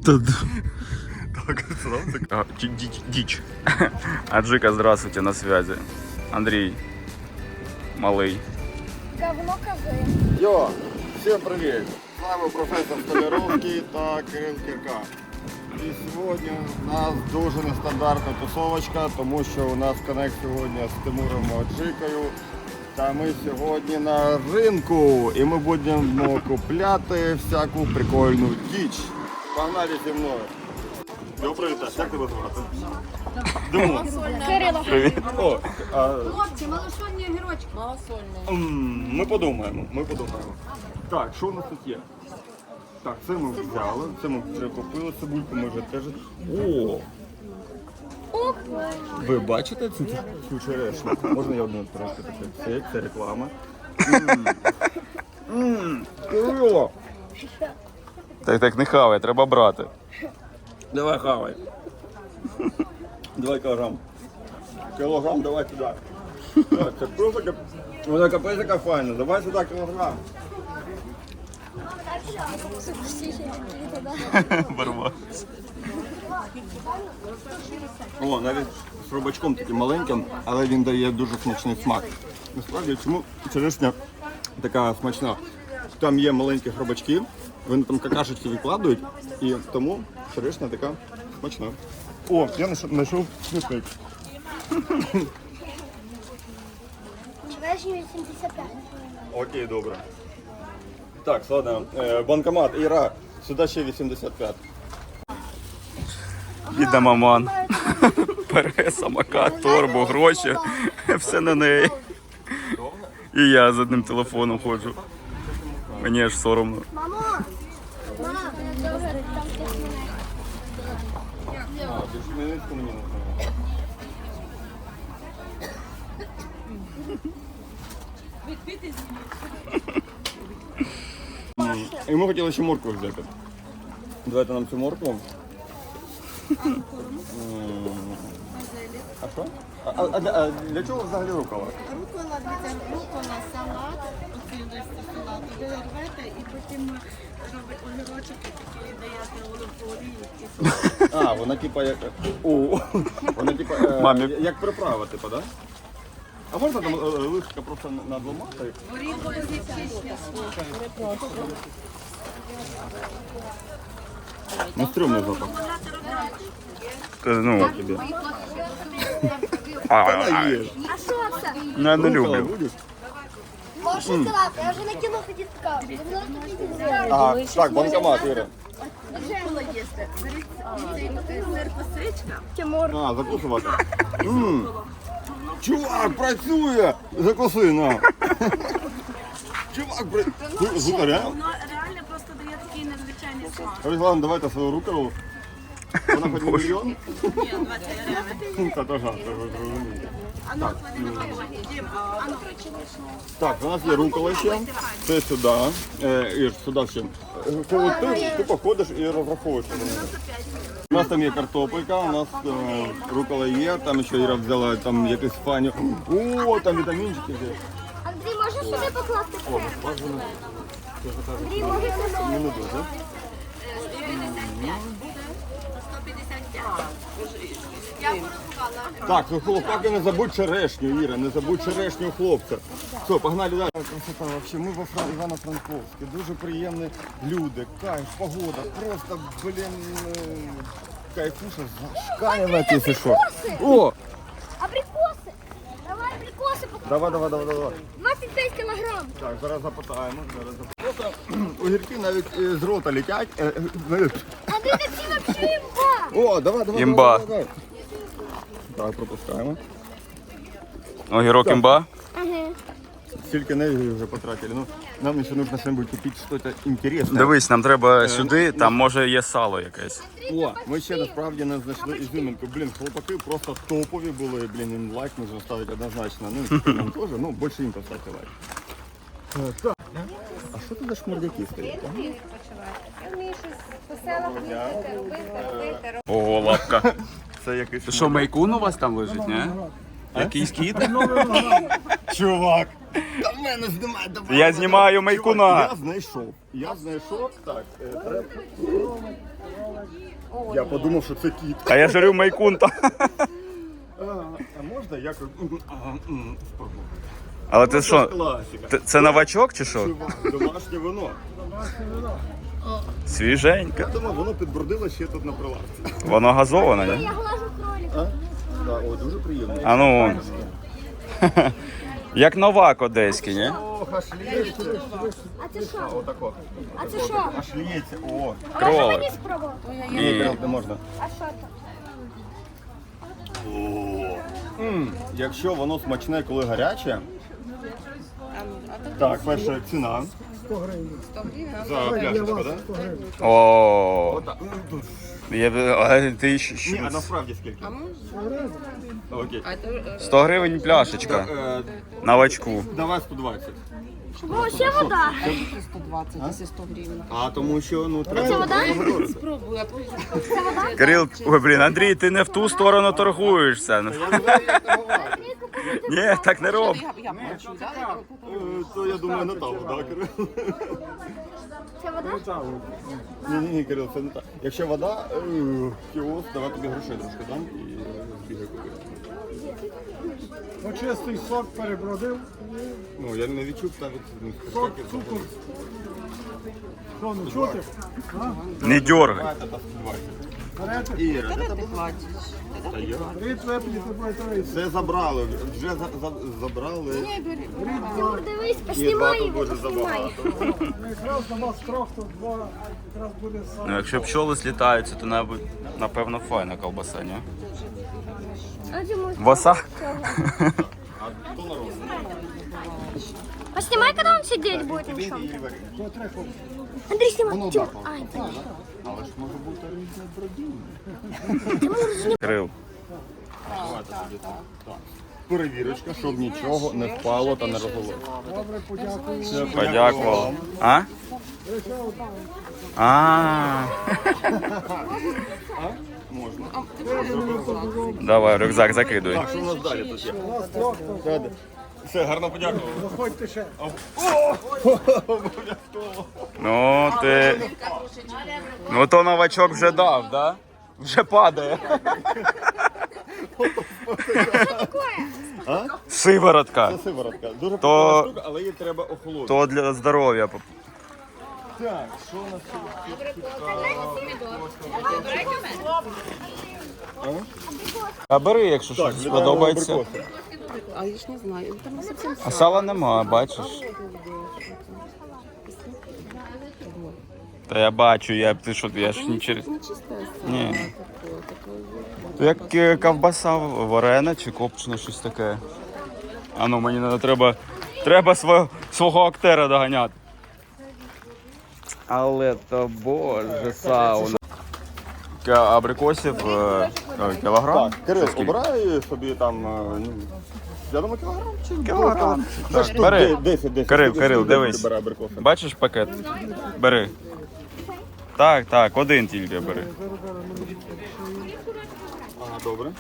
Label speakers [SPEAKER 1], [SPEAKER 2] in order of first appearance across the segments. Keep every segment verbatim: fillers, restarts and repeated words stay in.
[SPEAKER 1] Так, сразу. Дичь. Аджика, здравствуйте, на связи. Андрей, малый.
[SPEAKER 2] Говно кози.
[SPEAKER 3] Йо, всем привет! С вами профессор Столяровский та Кирил Кірка. І сьогодні у нас дуже нестандартна тусовочка, тому що у нас коннект сьогодні з Тимуром Аджикою. Та ми сьогодні на ринку і ми будемо купляти всяку прикольну діч. Погнали зі мною. Йо, привіт, як тебе звати? Димо.
[SPEAKER 2] Кирило.
[SPEAKER 1] Привіт.
[SPEAKER 3] О, а,
[SPEAKER 4] Хлопці, малосольні огірочки. Малосольні.
[SPEAKER 3] м, ми подумаємо, ми подумаємо. Так, що у нас тут є? Так, це ми взяли, це ми вже купили, цибульку ми вже теж. О! Ви бачите цю, цю черешню? Можна я одну трошки таке? Це як це реклама. Ммм, Кирило!
[SPEAKER 1] Так, так, не хавай, треба брати.
[SPEAKER 3] Давай хавай. Давай кілограм. Кілограм давай сюди. Так, це просто кап... Вона капець така файна. Давай сюди кілограм.
[SPEAKER 1] Барва.
[SPEAKER 3] О, навіть з рубачком таким маленьким, але він дає дуже смачний смак. Насправді, чому черешня така смачна? Там є маленькі хробачки, вони там какашечки відкладують, і тому черешня така смачна. О, я знайшов смітник.
[SPEAKER 2] Черешні вісімдесят п'ять.
[SPEAKER 3] Окей, добре. Так, ладно, е, банкомат, Іра, сюди ще вісімдесят п'ять.
[SPEAKER 1] Біда маман. Бере самокат, торбу, гроші. Все на неї. І я з одним телефоном ходжу. Мені аж соромно.
[SPEAKER 2] Мамо! Мама, добре, там хтось мене.
[SPEAKER 3] А, більше Хмельницьку мені не знаю. І ми хотіли ще моркву взяти. Давайте нам цю моркву. М, А що? А, а, а, а для чого взагалі рукава?
[SPEAKER 4] Рукола, дивіться, рукола, салат, оці листи салату, ви рвете і потім робить огірочок і такі даєте оливкову олію.
[SPEAKER 3] А, вона типа як. О, вона типа е,
[SPEAKER 1] Мамі.
[SPEAKER 3] як приправа, типа, да? А можна там е, лишка просто надламати?
[SPEAKER 4] Горіхове зі січня.
[SPEAKER 3] Ну, стрьомний запах.
[SPEAKER 1] Ну,
[SPEAKER 3] Тобі.
[SPEAKER 1] а,
[SPEAKER 3] Вона є.
[SPEAKER 2] А що це?
[SPEAKER 1] ну, я не
[SPEAKER 3] Рукола
[SPEAKER 1] люблю.
[SPEAKER 3] будеш?
[SPEAKER 2] Можеш сказати, я вже на кіно ходив така.
[SPEAKER 3] А, так, банкомат, Іра.
[SPEAKER 4] Рукола їсти. Беріть цей сир косичка.
[SPEAKER 2] Тимур.
[SPEAKER 3] А, закусувати. М. Чувак, працює! Закуси, на. Чувак, працює. Звука, реально?
[SPEAKER 4] Воно реально просто дає такий надзвичайний смак.
[SPEAKER 3] Руслан, давайте свою рукаву. Вона хоч не мільйон?
[SPEAKER 4] Ні, двадцять гривень.
[SPEAKER 3] Та то жарт, то ви зрозумієте.
[SPEAKER 4] А ну, клади на вагоні. Дім, а ну,
[SPEAKER 3] Так, у нас є рукола ще. Це сюди. Е, Ір, сюди ще. Е, Це от ти тупо ходиш і розраховуєш. У нас там є картопелька, у нас е, рукола є, там ще Іра взяла там якусь фаню. О, там вітамінчики є.
[SPEAKER 2] Андрій, можеш сюди покласти
[SPEAKER 3] О,
[SPEAKER 2] все?
[SPEAKER 3] бажано.
[SPEAKER 2] Андрій, можеш сюди?
[SPEAKER 3] Не дуже.
[SPEAKER 4] сто п'ятдесят п'ять. Я порахувала.
[SPEAKER 3] Так, ну хлопаки, не забудь черешню, Іра, не забудь черешню хлопця. Все, погнали далі. Красота, вообще, ми во Фран... Івано-Франковську, дуже приємні люди, кайф, погода, просто, блін, е, кайфуша, зашкалена, якщо що. О,
[SPEAKER 2] Абрикоси. Давай абрикоси покласти.
[SPEAKER 3] давай, давай, давай, давай.
[SPEAKER 2] двадцять п'ять кілограм.
[SPEAKER 3] Так, зараз запитаємо, зараз запитаємо. Просто огірки навіть е, з рота летять. Е, е, знаєш.
[SPEAKER 2] Андрій, це взагалі імба.
[SPEAKER 3] О, давай, давай,
[SPEAKER 1] Імба.
[SPEAKER 3] давай, давай. Так, пропускаємо.
[SPEAKER 1] Огірок імба.
[SPEAKER 2] Ага.
[SPEAKER 3] Стільки енергії вже потратили. Ну, нам ще нужно що-нибудь купити щось інтересне.
[SPEAKER 1] Дивись, нам треба сюди, там може є сало якесь.
[SPEAKER 3] О, ми ще насправді не знайшли ізюминку. Блін, хлопаки просто топові були. Блін, їм лайк можна ставити однозначно. Ну, і нам теж, ну, більше їм поставити лайк. Е, Так. А що тут за шмурдяки стоять? а?
[SPEAKER 5] Я вмію щось по селах їздити, робити, робити,
[SPEAKER 1] Ого, лапка.
[SPEAKER 3] Це якийсь...
[SPEAKER 1] Що, майкун у вас там лежить, не? Якийсь кіт?
[SPEAKER 3] Чувак! Та в мене знімай, давай!
[SPEAKER 1] Я знімаю майкуна.
[SPEAKER 3] Я знайшов. Я знайшов. Так, е, треба...
[SPEAKER 5] О,
[SPEAKER 3] Я
[SPEAKER 5] ні.
[SPEAKER 3] подумав, що це кіт.
[SPEAKER 1] А я жарю майкунта.
[SPEAKER 3] А, а можна я спробую?
[SPEAKER 1] Але ти що,
[SPEAKER 3] Класика.
[SPEAKER 1] т- це новачок чи що?
[SPEAKER 3] Чувак, домашнє вино.
[SPEAKER 1] Свіженьке.
[SPEAKER 3] Я думав, воно підбродило ще тут на прилавці.
[SPEAKER 1] Воно газоване, ні?
[SPEAKER 2] Я глажу кролика.
[SPEAKER 3] А? Так, о, дуже приємно.
[SPEAKER 1] А ну. Як новак одеський, ні?
[SPEAKER 3] Ох, аж лється.
[SPEAKER 2] А це що?
[SPEAKER 3] Отако.
[SPEAKER 2] А це що?
[SPEAKER 3] Аж лється. О,
[SPEAKER 2] Можна
[SPEAKER 1] Кролик.
[SPEAKER 2] мені спробувати?
[SPEAKER 1] Ні.
[SPEAKER 3] не можна.
[SPEAKER 2] А що це?
[SPEAKER 3] М, Якщо воно смачне, коли гаряче. Так, перша ціна.
[SPEAKER 5] сто гривень.
[SPEAKER 3] За пляшечку, так?
[SPEAKER 1] О,
[SPEAKER 3] Отак. М, тут.
[SPEAKER 1] я б- а ти щ- щ-
[SPEAKER 3] Ні, а насправді скільки? Окей.
[SPEAKER 1] сто гривень пляшечка.
[SPEAKER 3] Е,
[SPEAKER 1] Новачку.
[SPEAKER 3] Давай сто двадцять.
[SPEAKER 2] О, ще вода.
[SPEAKER 5] сто двадцять, якщо сто гривень.
[SPEAKER 3] А тому що, ну,
[SPEAKER 2] Це
[SPEAKER 3] треба
[SPEAKER 2] вода?
[SPEAKER 3] погодити.
[SPEAKER 5] Спробуй, а потім
[SPEAKER 2] Це вода?
[SPEAKER 1] Кирил, ой, блін, Андрій, ти не в ту сторону торгуєшся.
[SPEAKER 3] Я не знаю, як торгувати.
[SPEAKER 1] Ні, так не роб.
[SPEAKER 5] я, я плачу, да?
[SPEAKER 3] Е, То я думаю, не та вода, Кирил.
[SPEAKER 2] Це вода?
[SPEAKER 3] Ні, ні, ні, Кирил, це не так. Якщо вода, е, кіоск, давай тобі грошей трошки дам і е, збігай купи.
[SPEAKER 6] Ну, чистий сок перебродив,
[SPEAKER 3] Ну, я не відчув навіть ну,
[SPEAKER 6] сок,
[SPEAKER 3] скільки
[SPEAKER 6] цукор.
[SPEAKER 3] було.
[SPEAKER 6] Що, не чути?
[SPEAKER 1] Не дергай.
[SPEAKER 3] Давайте та сто двадцять.
[SPEAKER 6] Берете,
[SPEAKER 3] Іра, де
[SPEAKER 5] Ти
[SPEAKER 3] тебе?
[SPEAKER 5] платиш.
[SPEAKER 3] Та я.
[SPEAKER 6] рід вип'єте, будете рейс.
[SPEAKER 3] Все забрали, вже за, за, забрали.
[SPEAKER 2] Тимур, дивись,
[SPEAKER 3] І
[SPEAKER 2] поснімай
[SPEAKER 3] багато
[SPEAKER 2] його,
[SPEAKER 3] буде
[SPEAKER 2] поснімай.
[SPEAKER 3] забагато.
[SPEAKER 6] Якраз на вас трьох, то два, якраз буде
[SPEAKER 1] Ну,
[SPEAKER 6] саме.
[SPEAKER 1] якщо пчоли злітаються, то набу- напевно файна колбаса, ні?
[SPEAKER 2] А Тимур,
[SPEAKER 1] Воса?
[SPEAKER 3] А то народ.
[SPEAKER 2] Поснимай, когда он сидеть будет на чем-то.
[SPEAKER 3] І варі.
[SPEAKER 2] Андрей, снимай.
[SPEAKER 3] Воно
[SPEAKER 2] Тимур.
[SPEAKER 3] бахало.
[SPEAKER 2] Ай, Тимур.
[SPEAKER 3] Але ж може бути різне бродіння.
[SPEAKER 1] Кирил.
[SPEAKER 3] Давайте тоді так. Так. Перевірочка, щоб нічого не впало та не розголилося.
[SPEAKER 6] Добре, подякую.
[SPEAKER 3] Все,
[SPEAKER 1] Подякував. А? А.
[SPEAKER 3] Можна.
[SPEAKER 1] Давай, рюкзак закидуй.
[SPEAKER 3] Так, що у нас далі тут є?
[SPEAKER 6] Вас трьох, то
[SPEAKER 3] Все, Все, гарно подякував.
[SPEAKER 6] заходьте ще.
[SPEAKER 3] Обов'язково.
[SPEAKER 1] Ну, ти. Ну, то новачок вже дав, да? Вже падає.
[SPEAKER 3] А?
[SPEAKER 1] Сиворотка.
[SPEAKER 3] Це сиворотка. Дуже
[SPEAKER 1] То-
[SPEAKER 3] популярна штука, але її треба охолодити.
[SPEAKER 1] То для здоров'я.
[SPEAKER 3] Так, що у нас тут?
[SPEAKER 1] А бери, якщо
[SPEAKER 3] Так,
[SPEAKER 1] щось
[SPEAKER 3] вітаємо
[SPEAKER 1] сподобається.
[SPEAKER 3] абрикоси.
[SPEAKER 5] А я ж не знаю, там не зовсім
[SPEAKER 1] А сала нема, бачиш. Та я бачу, я ти що, я ж не через.
[SPEAKER 5] не чисте сало.
[SPEAKER 1] Ні.
[SPEAKER 5] Таке, таке.
[SPEAKER 1] То як е, ковбаса варена чи копчена, щось таке. А ну мені надо, треба, треба свого, свого актера доганяти. Але то боже, сауна. Ка- Абрикосів е, е, кілограм?
[SPEAKER 3] Так, Кирил,
[SPEAKER 1] Це скільки?
[SPEAKER 3] обирай собі там, е, ну, я думаю, кілограм чи
[SPEAKER 1] Кілограм.
[SPEAKER 3] Це
[SPEAKER 1] Так,
[SPEAKER 3] штук
[SPEAKER 1] бери.
[SPEAKER 3] де- десять, десять.
[SPEAKER 1] Кирил,
[SPEAKER 3] Скільки
[SPEAKER 1] Кирил,
[SPEAKER 3] штук
[SPEAKER 1] дивись.
[SPEAKER 3] бере абрикоси?
[SPEAKER 1] Бачиш пакет? Бери. Так, так, один тільки бери.
[SPEAKER 3] Ага, добре.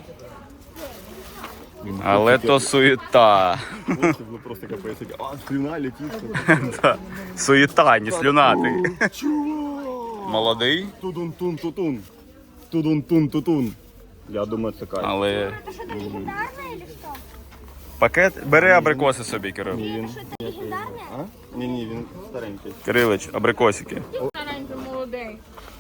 [SPEAKER 1] Але то суєта.
[SPEAKER 3] Ну, це було просто капець. А, слюна летить.
[SPEAKER 1] Та, суєта, не слюнати.
[SPEAKER 3] Чувак!
[SPEAKER 1] Молодий,
[SPEAKER 3] Тудун-тун-тутун. Тудун-тун-тутун. Я думаю, це кайф.
[SPEAKER 1] але
[SPEAKER 2] Это что-то легендарное или что?
[SPEAKER 1] пакет. Бери абрикоси собі, Кирил.
[SPEAKER 3] Ні, він...
[SPEAKER 2] Что-то легендарное?
[SPEAKER 3] А? Ні, ні, він старенький.
[SPEAKER 1] Кирилич, абрикосики.
[SPEAKER 4] Старенький молодий.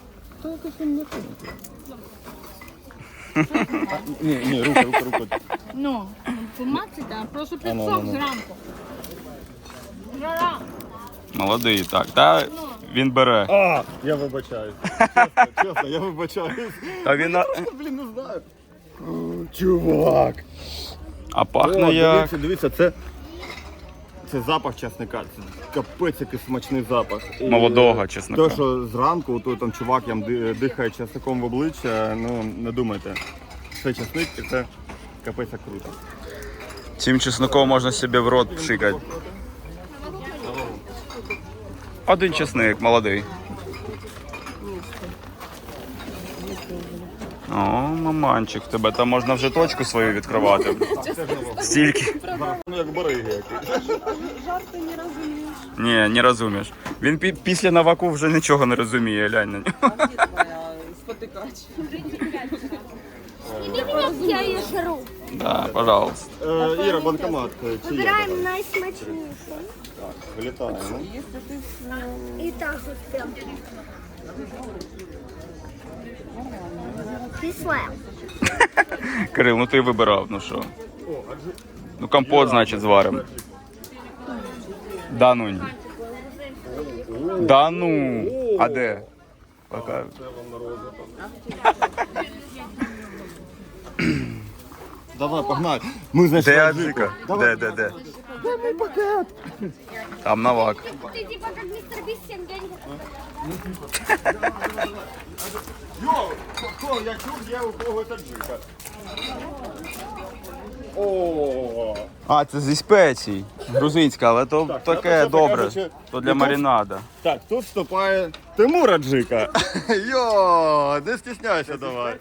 [SPEAKER 3] А, ні, ні, рука, рука, рука.
[SPEAKER 4] Ну, помацайте, а просто
[SPEAKER 3] А, ну,
[SPEAKER 4] підсох
[SPEAKER 3] ну, ну.
[SPEAKER 4] зранку. Жара.
[SPEAKER 1] Молодий, так. Та він бере.
[SPEAKER 3] А, я вибачаюсь. Чесно, чесно, я вибачаюсь.
[SPEAKER 1] Та він. на-
[SPEAKER 3] Я, блін, не знаю. О, чувак.
[SPEAKER 1] А
[SPEAKER 3] О,
[SPEAKER 1] пахне як.
[SPEAKER 3] дивіться, дивіться, це, це запах часника. Це капець який смачний запах. І
[SPEAKER 1] Молодого чесника.
[SPEAKER 3] Те, що зранку той там чувак ям ди- дихає часником в обличчя, ну не думайте. Це часник і це капець як круто.
[SPEAKER 1] Цим чесником можна собі в рот пшикати. Один чесник, молодий. О, маманчик, в тебе там можна вже точку свою відкривати. Стільки.
[SPEAKER 3] Ну як бариги який.
[SPEAKER 5] Жарти не розумієш.
[SPEAKER 1] Ні, не розумієш. Він пі- після наваку вже нічого не розуміє, глянь на нього.
[SPEAKER 5] А де твоя
[SPEAKER 2] Сними меня, я ее жру.
[SPEAKER 1] Да, пожалуйста.
[SPEAKER 3] Е, Іра, банкомат. е, Чи є?
[SPEAKER 2] Выбираем наисмачнейший.
[SPEAKER 3] Так, вилітаємо.
[SPEAKER 2] И так вот прям. Кислая.
[SPEAKER 1] Кирил, ну ти вибирав, ну що? Ну компот, значить, зваримо. Да ну ні. Да ну. А де? Пока.
[SPEAKER 3] Давай, погнали. Ми, значить,
[SPEAKER 1] Де
[SPEAKER 3] аджику.
[SPEAKER 1] Аджика? Де, де, де? Там навак.
[SPEAKER 2] Ты типа как мистер Бист всем деньги.
[SPEAKER 3] Йо, хто, я чув, є у когось аджика. О,
[SPEAKER 1] А, це зі спецій. Грузинська, але то
[SPEAKER 3] Так,
[SPEAKER 1] таке
[SPEAKER 3] це,
[SPEAKER 1] добре.
[SPEAKER 3] кажучи,
[SPEAKER 1] То для
[SPEAKER 3] ну, тут-
[SPEAKER 1] маринада.
[SPEAKER 3] так, тут вступає Тимур Аджика. Йо, не стісняйся давай.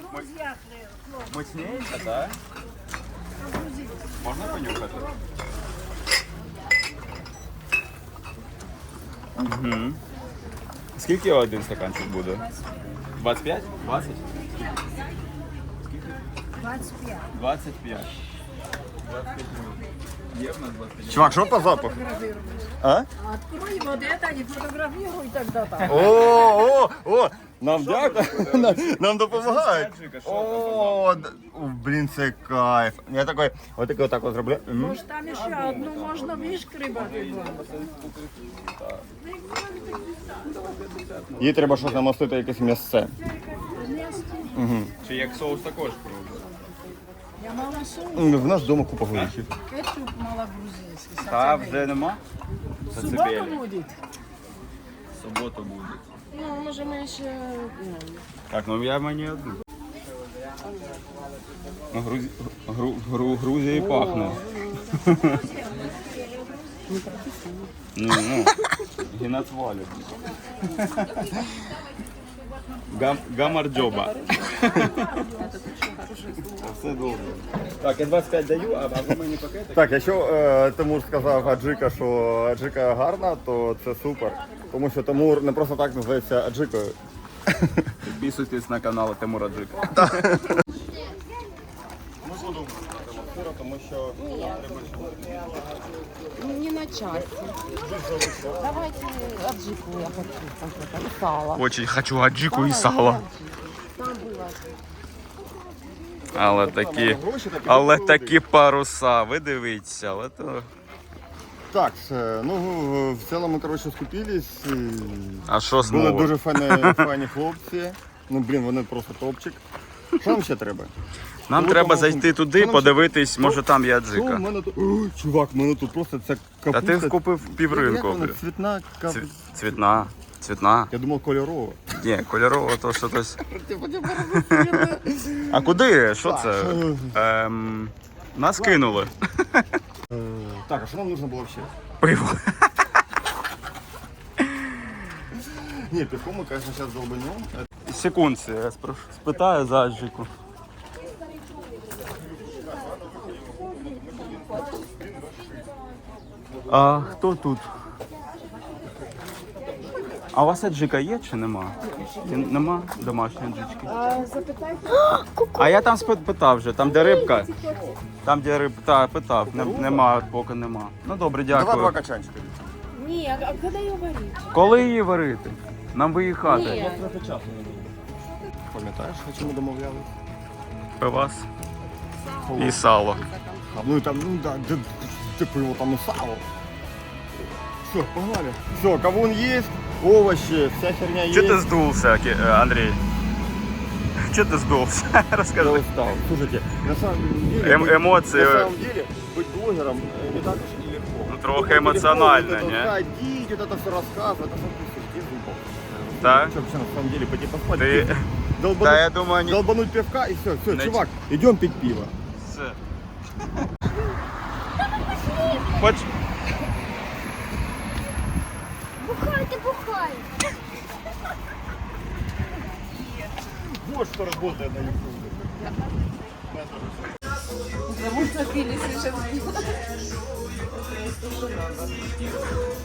[SPEAKER 1] Мощніше, так? Можна понюхати? Угу. Скільки один стаканчик буде? двадцять п'ять? двадцять? двадцять п'ять. двадцять п'ять. Є в нас двадцять п'ять.
[SPEAKER 3] Чувак, що по запаху? А?
[SPEAKER 7] Открой вот это, не фотографируй тогда там.
[SPEAKER 3] О, о, о, нам дякую, нам, нам допомагають.
[SPEAKER 1] Аджика, що
[SPEAKER 3] О, д- блін, це кайф. Я такий, отакий отак от зроблю. М.
[SPEAKER 7] Может, там еще одну можно вишкребать.
[SPEAKER 3] Їй треба щось намастити, якесь м'ясце.
[SPEAKER 1] Чи як соус також пробує?
[SPEAKER 7] Я малосол,
[SPEAKER 3] М, В нас вдома купа горіхів.
[SPEAKER 7] кетчуп малогрузинский.
[SPEAKER 1] Та вже нема? Це
[SPEAKER 7] Суббота
[SPEAKER 1] цибелі.
[SPEAKER 7] будет.
[SPEAKER 1] Субота буде.
[SPEAKER 7] Ну, може ми ще...
[SPEAKER 1] Так, ну я мені одну. Ну, Грузі... Гру... Гру... Грузії пахне. Ну, ну, геноцвалю. Гам... Гамарджоба. Все добре. Так, я двадцять п'ять даю, а ви мені пакетик?
[SPEAKER 3] Так, якщо е, Тимур сказав Аджика, що Аджика гарна, то це супер. Тому що Тимур не просто так називається Аджикою.
[SPEAKER 1] Підписуйтесь на канал Тимура Джика.
[SPEAKER 3] Ми будемо атмосферу, тому що
[SPEAKER 8] Не на части. Давайте аджику я хочу. конкретно, и сало.
[SPEAKER 1] Очень хочу аджику і сало.
[SPEAKER 8] Там было.
[SPEAKER 1] Але такі,
[SPEAKER 3] гроші такі
[SPEAKER 1] але
[SPEAKER 3] виходять.
[SPEAKER 1] такі паруса, ви дивіться, але то...
[SPEAKER 3] Так, е, ну в- в цілому, коротше, скупились. і
[SPEAKER 1] А що
[SPEAKER 3] Були
[SPEAKER 1] знову?
[SPEAKER 3] дуже файні, файні хлопці. Ну, блін, вони просто топчик. Що нам ще треба?
[SPEAKER 1] Нам
[SPEAKER 3] Ну,
[SPEAKER 1] треба
[SPEAKER 3] тому-
[SPEAKER 1] зайти туди,
[SPEAKER 3] Що нам
[SPEAKER 1] подивитись,
[SPEAKER 3] ще-
[SPEAKER 1] може там є
[SPEAKER 3] Що в
[SPEAKER 1] аджика.
[SPEAKER 3] мене тут? О, чувак, в мене тут просто ця
[SPEAKER 1] Та
[SPEAKER 3] капуста.
[SPEAKER 1] ти купив
[SPEAKER 3] Як
[SPEAKER 1] півринку.
[SPEAKER 3] вона? Цвітна капуста.
[SPEAKER 1] Цві- Цвітна, цвітна.
[SPEAKER 3] Я думав, кольорова.
[SPEAKER 1] Ні, кольорово, то що тось. А куди? Що це? Ем, нас кинули.
[SPEAKER 3] Так, а що нам потрібно було ще?
[SPEAKER 1] Пиво.
[SPEAKER 3] Ні, пивко ми, звісно, зараз долбанем.
[SPEAKER 1] Секундці, я спро- спитаю за аджику. А хто тут? А у вас аджика є чи нема? Чи нема домашньої аджички?
[SPEAKER 7] А, запитайте.
[SPEAKER 1] А я там спи- питав вже, там де рибка. Там де рибка, та, питав, не- нема, поки нема. Ну добре,
[SPEAKER 3] Давай два
[SPEAKER 1] дякую.
[SPEAKER 3] качанчика.
[SPEAKER 7] Ні, а коли її варити?
[SPEAKER 1] Коли її варити? Нам виїхати.
[SPEAKER 7] Ні.
[SPEAKER 3] Пам'ятаєш, о чому домовлялися?
[SPEAKER 1] Пивас і сало.
[SPEAKER 3] А, ну і там, ну да, де, де пиво, там і сало. Все, погнали. Все, кавун есть, овощи, вся херня есть.
[SPEAKER 1] Чого ти здувся, Ки- е, Андрій? Чого ти здувся?
[SPEAKER 3] Я
[SPEAKER 1] Розкажи.
[SPEAKER 3] устал. Слушайте, на самом деле,
[SPEAKER 1] Эм- эмоции.
[SPEAKER 3] на самом деле, быть блогером э, не так уж и легко.
[SPEAKER 1] Ну, трохи
[SPEAKER 3] Вот это
[SPEAKER 1] эмоционально,
[SPEAKER 3] легко, вот
[SPEAKER 1] не?
[SPEAKER 3] это ходить, вот это все рассказывать, это все глупо.
[SPEAKER 1] Так?
[SPEAKER 3] Что вообще на самом деле, пойти поспать?
[SPEAKER 1] Ти...
[SPEAKER 3] Долбануть,
[SPEAKER 1] Та я думаю, ні.
[SPEAKER 3] долбануть пивка и все, все,
[SPEAKER 1] Не-
[SPEAKER 3] чувак, идем пить пиво.
[SPEAKER 1] Все. Хоч...
[SPEAKER 2] Бухайте, бухай.
[SPEAKER 3] Вот что работает на ютубе.
[SPEAKER 8] Зовут напились сейчас.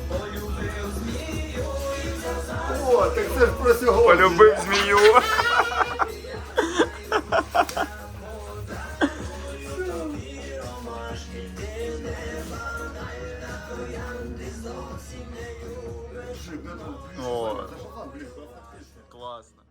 [SPEAKER 3] О, так це ж про сьогодні.
[SPEAKER 1] Полюбив змію. О, класно.